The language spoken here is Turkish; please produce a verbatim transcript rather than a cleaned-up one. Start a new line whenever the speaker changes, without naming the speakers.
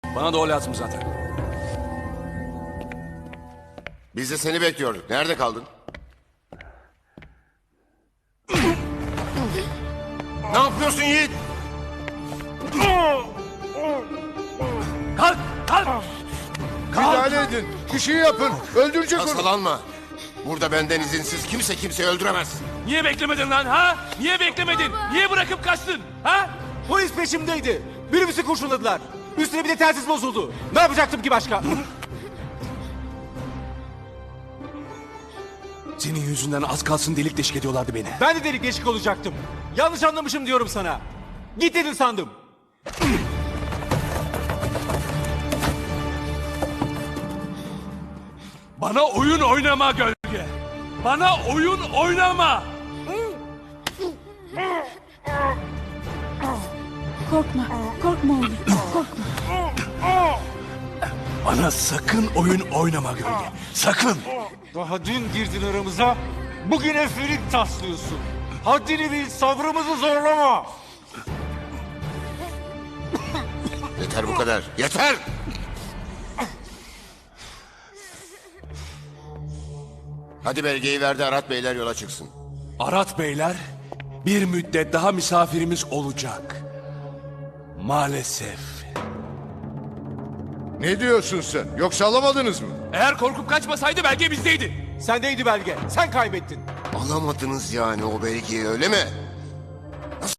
Bana da o lazım zaten.
Biz de seni bekliyorduk. Nerede kaldın? Ne yapıyorsun Yiğit?
Kalk! Kalk!
Müdahale edin. Bir şey yapın. Öldürecek onu.
Hastalanma. Burada benden izinsiz kimse kimseyi öldüremez.
Niye beklemedin lan ha? Niye beklemedin? Niye bırakıp kaçtın ha?
Polis peşimdeydi. Minibüsü kurşunladılar. Üstüne bir de telsiz bozuldu. Ne yapacaktım ki başka?
Senin yüzünden az kalsın delik deşik ediyorlardı beni.
Ben de delik deşik olacaktım. Yanlış anlamışım diyorum sana. Git dedin sandım.
Bana oyun oynama gölge. Bana oyun oynama.
Korkma, korkma oğlum, korkma.
Bana sakın oyun oynama gölge. Sakın.
Daha dün girdin aramıza. Bugün efelik taslıyorsun. Haddini bil, sabrımızı zorlama.
Yeter bu kadar. Yeter! Hadi belgeyi ver de Arat Beyler yola çıksın.
Arat beyler, bir müddet daha misafirimiz olacak. Maalesef.
Ne diyorsun sen? Yoksa alamadınız mı?
Eğer korkup kaçmasaydı belge bizdeydi.
Sendeydi belge. Sen kaybettin.
Alamadınız yani o belgeyi, öyle mi?